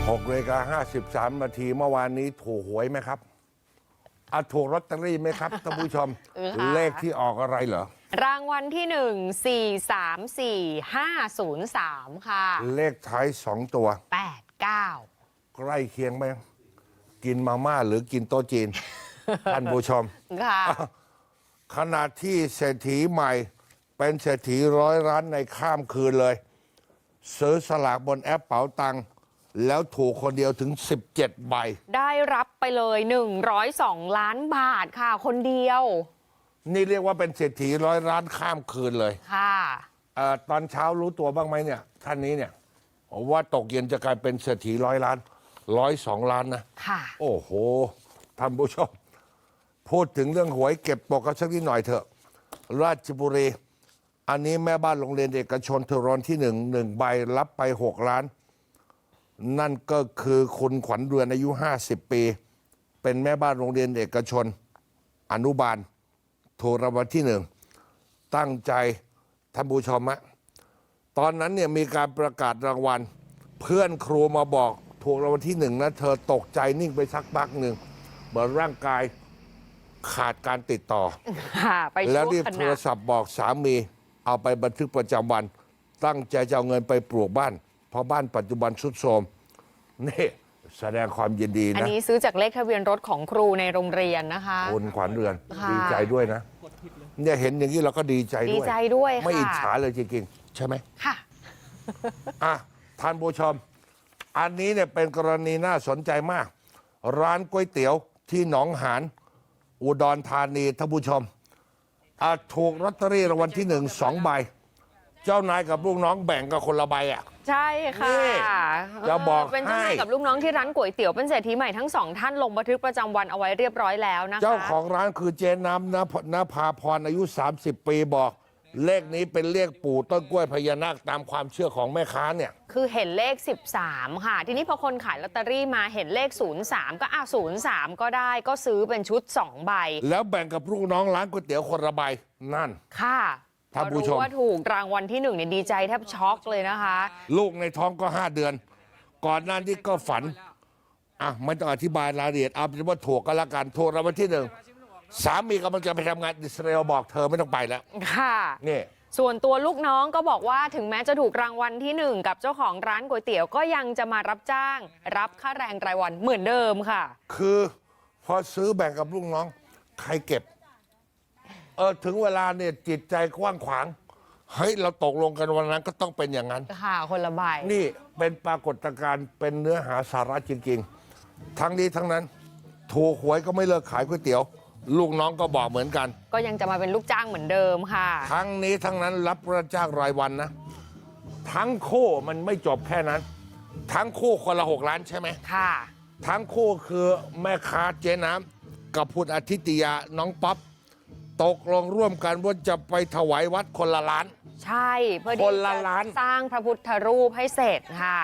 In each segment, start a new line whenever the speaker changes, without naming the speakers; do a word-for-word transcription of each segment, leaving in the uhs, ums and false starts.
หกนาฬิกาห้าสิบสามนาทีเมื่อวานนี้ถูกหวยไหมครับอ่ะถูกลอตเตอรี่ไหมครับท่านผู้ชม เลขที่ออกอะไรเหรอ
รางวัลที่หนึ่ง สี่ สาม สี่ ห้า ศูนย์ สาม ค่ะ
เลขท้ายสองตัว
แปด เก้า
ใกล้เคียงไหมกินมาม่าหรือกินโต๊ะจีน ท่านผู้ชม
ค่ะ
ขณะที่เศรษฐีใหม่เป็นเศรษฐีร้อยล้านในข้ามคืนเลย ซื้อสลากบนแอปเป๋าตังค์แล้วถูกคนเดียวถึงสิบเจ็ดใบ
ได้รับไปเลยหนึ่งร้อยสองล้านบาทค่ะคนเดียว
นี่เรียกว่าเป็นเศรษฐีร้อยล้านข้ามคืนเลย
ค่ะ
เอ่อตอนเช้ารู้ตัวบ้างไหมเนี่ยท่านนี้เนี่ยว่าตกเย็นจะกลายเป็นเศรษฐีร้อยล้านร้อยสองล้านนะ
ค่ะ
โอ้โหท่านผู้ชมพูดถึงเรื่องหวยเก็บตกกันสักนิดหน่อยเถอะราชบุรีอันนี้แม่บ้านโรงเรียนเอกชนเทอรอนที่หนึ่งหนึ่งใบรับไปหกล้านนั่นก็คือคุณขวัญเรือนอายุห้าสิบปีเป็นแม่บ้านโรงเรียนเอกชนอนุบาลถูกรางวัลที่หนึ่งตั้งใจท่านผู้ชมฮะตอนนั้นเนี่ยมีการประกาศรางวัลเพื่อนครูมาบอกถูกรางวัลที่หนึ่งนะเธอตกใจนิ่งไปสักพักหนึ่งเหมือนร่างกายขาดการติดต่อแล้วรีบโทรศัพท์บอกสามีเอาไปบันทึกประจำวันตั้งใจจะเอาเงินไปปลูกบ้านเพราะบ้านปัจจุบันทรุดโทรมนี่แสดงความยินดีนะ
อันนี้ซื้อจากเลขทะเบียนรถของครูในโรงเรียนนะคะ
คุณขวัญเรือนดีใจด้วยนะเนี่ยเห็นอย่างนี้เราก็ดีใจด้วย
ดีใจด้วย
ไม่อิจฉาเลยจริงๆใช่ไหม
ค่ะ
อ่ะท่านผู้ชมอันนี้เนี่ยเป็นกรณีน่าสนใจมากร้านก๋วยเตี๋ยวที่หนองหานอุดรธานีท่านผู้ชมถูกลอตเตอรี่รางวัลที่หนึ่งสองใบเจ้านายกับลูกน้องแบ่งกันคนละใบอ่ะ
ใช่ค่ะ
จะบอก
เป็นเจ้านายกับลูกน้องที่ร้านก๋วยเตี๋ยวเป็นเศรษฐีใหม่ทั้งสองท่านลงบันทึกประจำวันเอาไว้เรียบร้อยแล้วนะคะ
เจ้าของร้านคือเจน้ำนภาพรอายุสามสิบปีบอกเลขนี้เป็นเลขปู่ต้นกล้วยพญานาคตามความเชื่อของแม่ค้าเนี่ย
คือเห็นเลขสิบสามค่ะทีนี้พอคนขายลอตเตอรี่มาเห็นเลขศูนย์สามก็อ่ะศูนย์สามก็ได้ก็ซื้อเป็นชุดสองใบ
แล้วแบ่งกับลูกน้องร้านก๋วยเตี๋ยวคนละใบนั่น
ค่ะ
ท่านผู้ชม
ว่าถูกรางวัลที่หนึ่งเนี่ยดีใจแทบช็อกเลยนะคะ
ลูกในท้องก็ห้าเดือนก่อนหน้านี้ก็ฝันอ่ะไม่ต้องอธิบายรายละเอียดเอาเป็นว่าถูกก็แล้วกันถูกรางวัลที่หนึ่งสามีกำลังจะไปทำงานอิสราเอลบอกเธอไม่ต้องไปแล้ว
ค่ะ
นี่
ส่วนตัวลูกน้องก็บอกว่าถึงแม้จะถูกรางวัลที่หนึ่งกับเจ้าของร้านก๋วยเตี๋ยวก็ยังจะมารับจ้างรับค่าแรงรายวันเหมือนเดิมค่ะ
คือพอซื้อแบ่งกับลูกน้องใครเก็บเออถึงเวลาเนี่ยจิตใจกว้างขวางเฮ้ยเราตกลงกันวันนั้นก็ต้องเป็นอย่างนั้น
ค่ะคนละใบ
นี่เป็นปรากฏการณ์เป็นเนื้อหาสาระจริงๆทั้งนี้ทั้งนั้นถูกหวยก็ไม่เลิกขายก๋วยเตี๋ยวลูกน้องก็บอกเหมือนกัน
ก็ยังจะมาเป็นลูกจ้างเหมือนเดิมค่ะ
ทั้งนี้ทั้งนั้นรับประจ้างรายวันนะทั้งคู่มันไม่จบแค่นั้นทั้งคู่คนละหกล้านใช่ไหม
ค่ะ
ทั้งคู่คือแม่ค้าเจ๊น้ำกับคุณอาทิตยาน้องป๊อปตกลงร่วมกันว่าจะไปถวายวัดคนละล้าน
ใช่เพื่อที่
คนละล้าน
สร้างพระพุทธรูปให้เสร็จค่ะ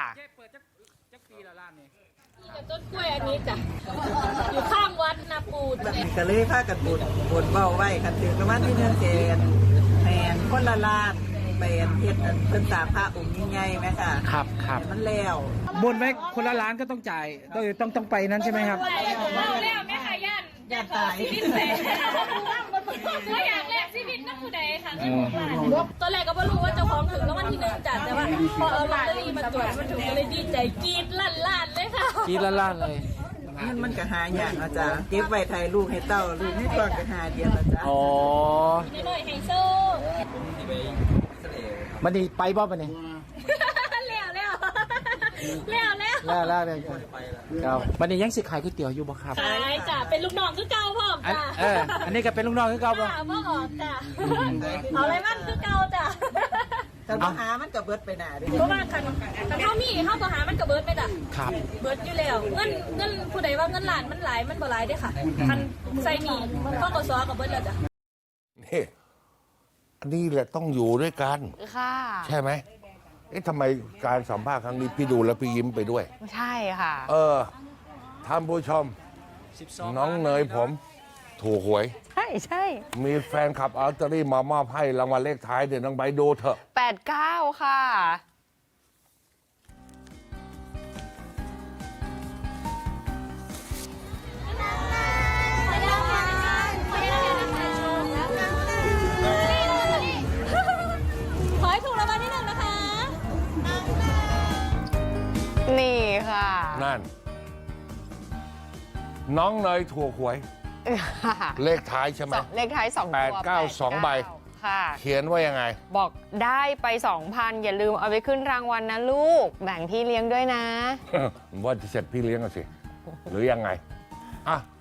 ต้นกล้วยอันนี้จ้ะอยู่ข้างวัดนาปูด
ก็เลยพากันบุญบุญเบาไว้กันถึงประมาณที่เนื้อเจนแมนคนละลาดแมนเฮ็ดเพิ่นสาพระองค์ใหญ่ๆไหมค่ะ
ครับครับ
มันแล้ว
บนไว้คนละล้านก็ต้องจ่ายต้องต้องต้องไปนั้นใช่ไหมครับ
แล้วแล้วแม่ค่ะย่าน
ย่านตาย
ชีวิตเลยก็อยากแลกชีวิตนักผู้ใดค่ะตอนแรกก็ไม่รู้ว่าเจ้าของถึงแล้ววันที่หนึ่งจัดแต่ว่าพอเอาลอตเตอรี่มาตรวจมันถึงก็เลยดีใจกรี๊ดลั่นลั่นเลยค่ะ
กรี๊ดลั่นลั่นเลย
มันมันก็หาอย่างอาจารย์เก็บไว้ไทยลูกให้เต้าลูกให้ตัวก็หาเดียวอาจารย์
อ๋อ
น้อยไฮโซ่
มันนี่ไปบ่ปะเนี่ย
แล้วแล้วแล้ว
แล้วแล้วแล้วครับมันนี่ยังสิขายก๋วยเตี๋ยวอยู่บ่ครับ
ขายจ้ะเป็นลูกน้องคือเก่าพ่อจ้ะ
เอออันนี้ก็เป็นลูกน้องคือเก่า
ป่ะพ่อออกจ้ะเอาอะไรมันคือเก่าจ้ะ
แต่ปัญหามันก็เบิดไปหนาดิ
เพราะว่าคันคันเท่ามีเข้าปัญหามันก็เบิดไปจ้ะ
ครับ
เบิดอยู่แล้วเงินเงินผู้ใดว่าเงินล้านมันหลายมันบ่หลายเด้ค่ะคันใส่หนี้พ่อกสก็เบิดแล้วจ้ะ
นี่อันนี้แหละต้องอยู่ด้วยกัน
ค่ะ
ใช่ไหมเอ๊ะทำไมการสัมภาษณ์ครั้งนี้พี่ดูแล้วพี่ยิ้มไปด้วย
ใช่ค่ะ
เออท่านผู้ชมน้องเนยผมถูกหวย
ใช่ใช่
มีแฟนคลับอัลตอรี่มามอบให้รางวัลเลขท้ายเดี๋ยวน้องใบดูเถอะ
แปดเก้าค่ะ
นั่น น้องเนยถูกหวย เลขท้ายใช่ไหม
สองเลขท้ายสองตัว
แปดเก้าสองใบ
ค่ะ
เขียนว่ายังไง
บอกได้ไปสองพันอย่าลืมเอาไปขึ้นรางวัลนะลูก แบ่งพี่เลี้ยงด้วยนะ
ว่าจะเสร็จพี่เลี้ยงกันสิ หรือยังไง อ่ะ